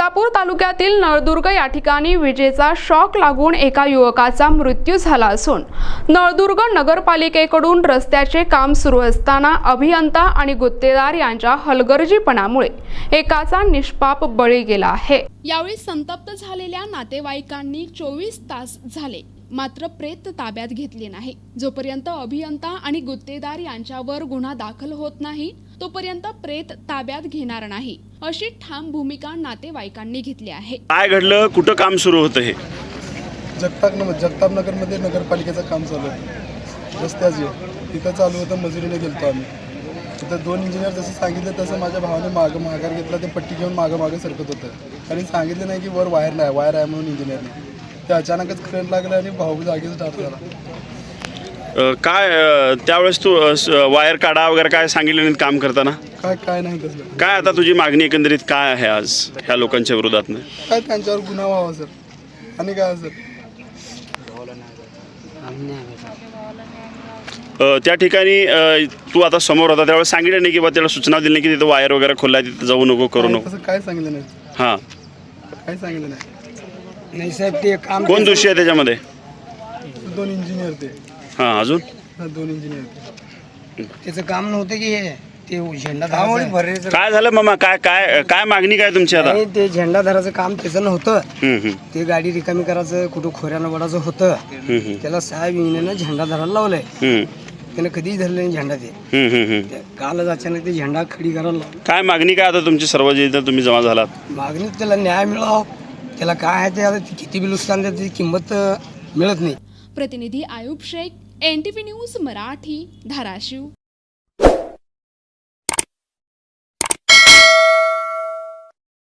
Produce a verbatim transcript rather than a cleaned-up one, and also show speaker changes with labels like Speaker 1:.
Speaker 1: सोलापूर तालुक्यातील नळदुर्ग या ठिकाणी विजेचा शॉक लागून एका युवकाचा मृत्यू झाला असून नळदुर्ग नगरपालिकेकडून रस्त्याचे काम सुरू असताना अभियंता आणि गुत्तेदार यांच्या हलगर्जीपणामुळे एकाचा निष्पाप बळी गेला आहे। यावेळी संतप्त झालेल्या नातेवाईकांनी चोवीस तास झाले मात्र प्रेत ताब्यात घेतले नाही। जोपर्यंत अभियंता आणि गुत्तेदार यांच्यावर गुन्हा दाखल होत नाही तोपर्यंत प्रेत ताब्यात घेणार नाही अशी ठाम भूमिका नातेवाईकांनी घेतली आहे।
Speaker 2: काय घडलं, कुठं काम सुरू होतं? हे
Speaker 3: जगताप जगताप नगर मध्ये नगरपालिकेचं काम चालू आहे, रस्त्याचे तिथं चालू होतं। मजुरीने गेलतो आम्ही तिथं। दोन इंजिनियर जसं सांगितलं तसं माझ्या भावाने मागं माघार घेतला। ते पट्टी घेऊन मागं मागं सरकत होतं आणि सांगितलं नाही की वर वायर नाही, वायर आहे म्हणून इंजिनियरने। ते अचानकच करंट लागलं आणि भाऊ जागीच स्टार्ट झाला।
Speaker 2: काय त्यावेळेस तू वायर काढा वगैरे काय सांगितलं नाही काम करताना?
Speaker 3: काय काय नाही तसलं।
Speaker 2: काय आता तुझी मागणी एकंदरीत काय आहे आज ह्या लोकांच्या विरोधात?
Speaker 3: काय त्यांच्यावर गुन्हा व्हावा सर, आणि काय सर?
Speaker 2: त्या ठिकाणी तू आता समोर होता त्यावेळेस सांगितलं नाही की बा त्याला सूचना दिली नाही की तिथं वायर वगैरे खोललाय तिथं जाऊ नको करू नको?
Speaker 3: तसं काय सांगितलं नाही।
Speaker 2: हां,
Speaker 3: काय सांगितलं नाही
Speaker 4: नाही साहेब। ते काम
Speaker 2: कोण दोषी आहे त्याच्यामध्ये?
Speaker 3: दोन इंजिनियर ते।
Speaker 2: हां, अजून
Speaker 3: दोन इंजिनियर
Speaker 4: त्याचं काम नव्हतं की हे ते झेंडा धरायचं।
Speaker 2: काय झालं मामा? काय काय काय मागणी काय तुमची आता?
Speaker 4: नाही, ते झेंडा धरायचं काम त्याचं नव्हतं।
Speaker 2: हम्म, हम्म,
Speaker 4: ते गाडी रिकामी करायचं, कुठं खोऱ्यानं वडायचं होतं।
Speaker 2: हम्म, हम्म,
Speaker 4: त्याला साहेब इंजिनियरनं झेंडा धरायला लावलाय।
Speaker 2: हम्म,
Speaker 4: त्यानं कधीच धरलं नाही झेंडा। ते
Speaker 2: हम्म, हम्म, हम्म.
Speaker 4: ते कालच अचानक ते झेंडा खडी करायला लावला।
Speaker 2: काय मागणी काय आता तुमची सर्व जे इथं तुम्ही जमा झालात?
Speaker 4: मागणीत त्याला न्याय मिळावा। त्याला काय आहे ते आता किती बी नुकसान त्याची किंमत मिळत नाही।
Speaker 1: प्रतिनिधी Ayub Shaikh, N T V news Marathi, Dharashiv.